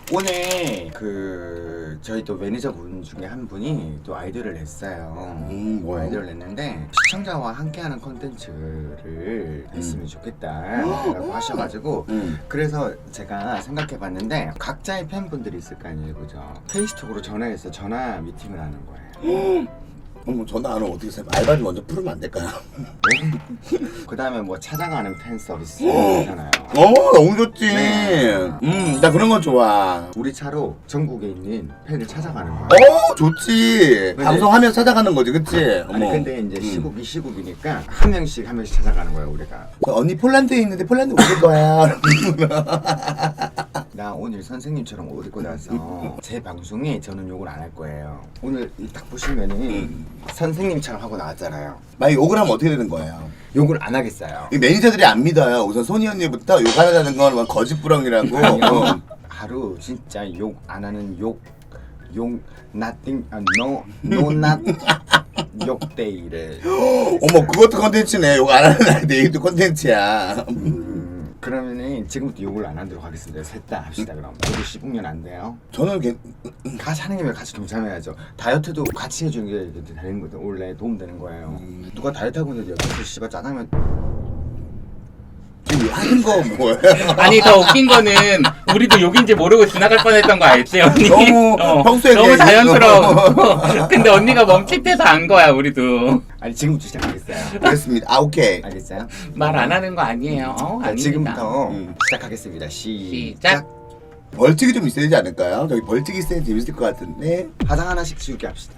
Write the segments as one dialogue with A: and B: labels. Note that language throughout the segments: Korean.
A: 오늘 저희 또 매니저분 중에 한 분이 또 아이디어를 냈어요.
B: 뭐요?
A: 아이디어를 냈는데 시청자와 함께하는 콘텐츠를 했으면 좋겠다라고 하셔가지고 그래서 제가 생각해봤는데 각자의 팬분들이 있을 거 아니에요, 그죠? 페이스톡으로 전화해서 전화 미팅을 하는 거예요.
B: 어머 전화 안 오면 어떻게 해? 알바비 먼저 풀으면 안 될까요?
A: 그 다음에 뭐 찾아가는 팬 서비스 있잖아요.
B: 너무 좋지.
A: 네.
B: 나 그런 건 좋아.
A: 우리 차로 전국에 있는 팬을 찾아가는 거예요.
B: 좋지.
A: 근데-
B: 방송하면서 찾아가는 거지, 그치?
A: 아니 근데 이제 시국이 시국이니까 한 명씩 찾아가는 거야 우리가.
B: 언니 폴란드에 있는데 폴란드 오실 거야.
A: 나 오늘 선생님처럼 옷 입고 나서 제 방송에 저는 욕을 안 할 거예요. 오늘 딱 보시면은 선생님처럼 하고 나왔잖아요.
B: 만약 욕을 하면 어떻게 되는 거예요?
A: 욕을 안 하겠어요.
B: 이 매니저들이 안 믿어요. 우선 소니 언니부터 욕하자는 건 거짓부렁이라고.
A: 하루 진짜 욕 안 하는 욕 nothing no not 욕데이를.
B: 어머 그것도 컨텐츠네. 욕 안 하는 아이 내일도 컨텐츠야.
A: 그러면은 지금부터 욕을 안 하도록 하겠습니다. 셋 다 합시다 그럼. 저도 씹으면 안 돼요.
B: 저는
A: 같이 하는 김에 같이 동참해야죠. 다이어트도 같이 해주는 게 되는 거죠. 원래 도움되는 거예요. 누가 다이어트 하고 있는데 옆에서 씨발 짜장면
B: 지금 하는 거 뭐예요?
C: 아니 더 웃긴 거는 우리도 욕인지 모르고 지나갈 뻔했던 거 알지 언니?
B: 너무 평소에
C: 너무
B: 그냥
C: 자연스러워. 근데 언니가 멈칫해서 안 거야 우리도.
A: 아니 지금부터 시작하겠어요.
B: 알겠습니다. 오케이.
A: 알겠어요?
C: 말 안 하는 거 아니에요.
A: 자,
C: 아닙니다.
A: 지금부터 시작하겠습니다.
C: 시작.
B: 벌칙이 좀 있어야 되지 않을까요? 저기 벌칙이 있어야 재밌을 것 같은데.
A: 화장 하나씩 지우게 합시다.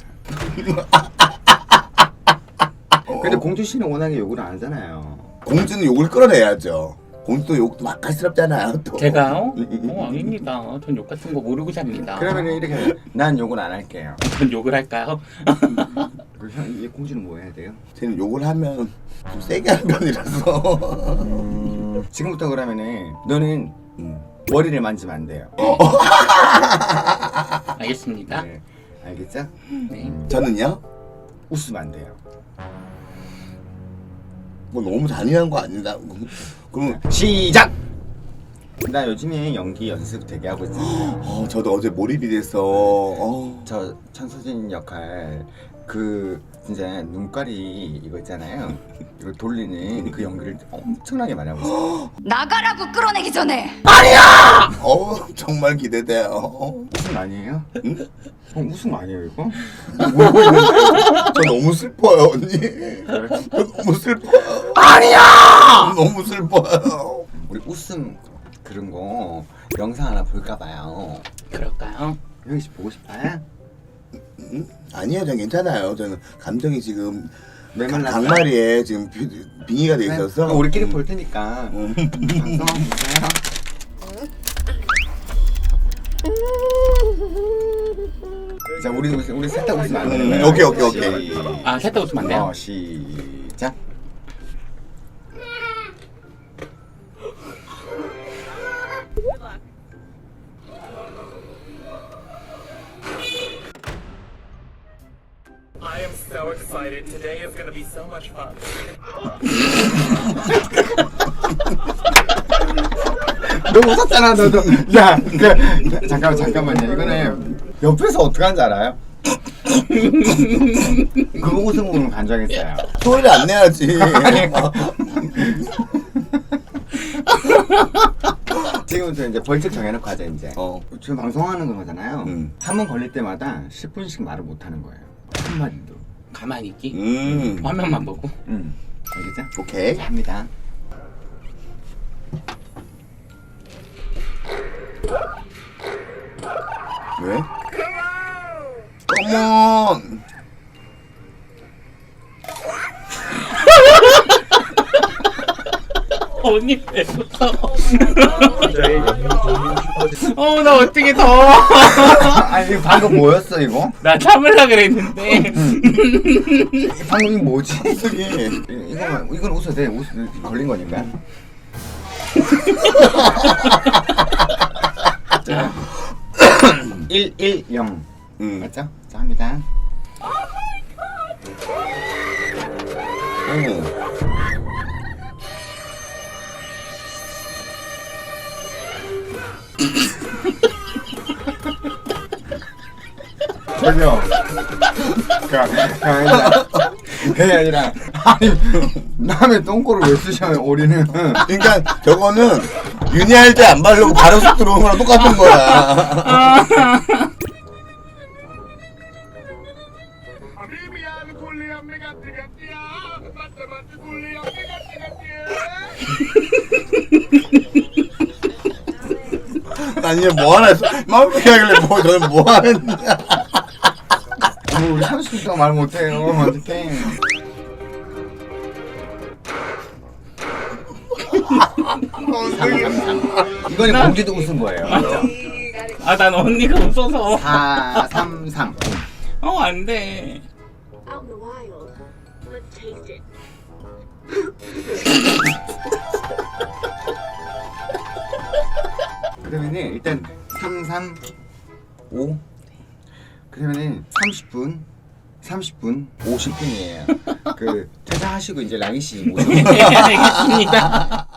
A: 근데 공주 씨는 워낙에 욕을 안 하잖아요.
B: 공주는 욕을 끌어내야죠. 공주도 욕도 맛깔스럽잖아요. 또.
C: 제가요? 아닙니다. 전 욕 같은 거 모르고 삽니다.
A: 그러면 이렇게 난 욕을 안 할게요.
C: 전 욕을 할까요?
A: 얘 공주는 뭐 해야 돼요?
B: 쟤는 욕을 하면 좀 세게 하는 편이라서.
A: 지금부터 그러면은 너는 머리를 만지면 안 돼요.
C: 알겠습니다.
A: 네, 알겠죠?
C: 네.
B: 저는요?
A: 웃으면 안 돼요.
B: 뭐 너무 잔인한 거 아니다. 그럼
A: 시작! 나 요즘에 연기 연습 되게 하고 있어요.
B: 저도 어제 몰입이 돼서
A: 저 천서진 역할 진짜 눈깔이 이거 있잖아요. 이거 돌리는 그 연기를 엄청나게 많이 하고 있어요.
D: 나가라고 끌어내기 전에
B: 정말 기대돼요.
A: 웃음 아니에요?
B: 응?
A: 웃음 아니에요 이거?
B: 저 너무 슬퍼요 언니. 저 너무 슬퍼요.
A: 아니야!
B: 너무 슬퍼요.
A: 우리 웃음 그런 거 영상 하나 볼까 봐요.
C: 그럴까요?
A: 형이 씨 보고 싶어요?
B: 아니요, 전 괜찮아요. 저는 감정이 지금
A: 메말랐어요?
B: 강마리에 지금 빙의가 돼 있어서.
A: 그럼 우리끼리 볼 테니까 방송 한번 보세요. 자, 우리 셋 다 웃으면 안 되는 거야.
B: 오케이.
C: 아, 셋 다 웃으면 안 돼요?
A: 시작.
E: I am so excited. Today is going to be so much fun.
A: 너 웃었잖아, 너도. 야, 잠깐만요. 이거는 옆에서 어떻게 하는지 알아요? 그거 웃음 보면 간절했어요.
B: 소리를 안 내야지.
A: 지금부터 이제 벌칙 정해놓고 하자 이제. 지금 방송하는 거잖아요. 한 번 걸릴 때마다 10분씩 말을 못 하는 거예요. 한마디도.
C: 가만히 있기? 화면만 보고?
A: 알겠죠?
B: 오케이.
A: 자, 합니다.
B: 왜? 컴온.
C: 언니 왜 웃어? 나 어떻게 더워?
A: 아니 방금 뭐였어 이거?
C: 나 참으려 그랬는데.
A: 방금 이거 뭐지?
B: 이게
A: 이건 웃어도 돼. 걸린 거니까. 자, 110 맞죠? 자 합니다. 그죠? 그게 아니라 아니 남의 똥꼬를 왜 쓰셔요 우리는.
B: 그러니까 저거는 윤희할 때 안 바르고 바로 쑥 들어온 거랑 똑같은 거야. 아니 뭐 하나 했어? 마음 피하길래 뭐 저는 뭐 하는 거야?
A: 우리 30분 동안 말 못해요. 어떡해. 이거는 공주도 웃은 거예요.
C: 아, 난 언니가 웃어서.
A: 4, 3, 3.
C: 안 돼.
F: Out in the wild. Let's taste it.
A: 그러면은 일단 3, 3, 5. 그러면은 30분 50분이에요. 그 퇴사하시고 이제 랑이 씨 모시고.
C: 알겠습니다.